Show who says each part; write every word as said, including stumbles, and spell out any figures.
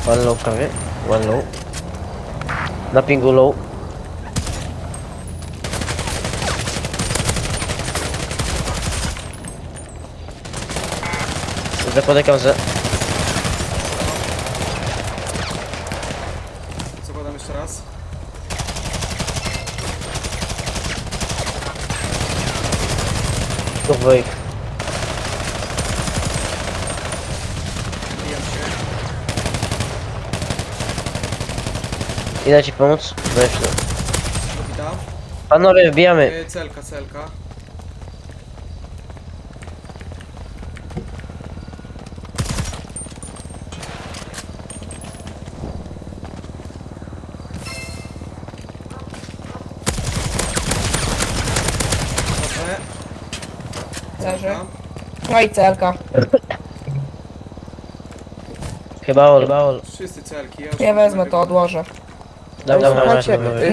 Speaker 1: One low prawie. One low. Na pingu low. Zakładam za...
Speaker 2: Zakładam jeszcze raz.
Speaker 1: Dwójk.
Speaker 2: Bijam się.
Speaker 1: Idę ci pomóc? Weź to.
Speaker 2: Dobita.
Speaker 1: Panowie, wbijamy.
Speaker 2: Yy, celka, celka. Dobrze.
Speaker 3: Leży.
Speaker 2: Celka.
Speaker 3: No i celka.
Speaker 1: Chyba all, chyba all.
Speaker 2: Wszyscy celki. Ja, już
Speaker 3: Ja
Speaker 2: mam
Speaker 3: wezmę
Speaker 2: mega-
Speaker 3: to, odłożę.
Speaker 1: Dobra, dobra,
Speaker 3: Słuchajcie,
Speaker 1: dobra.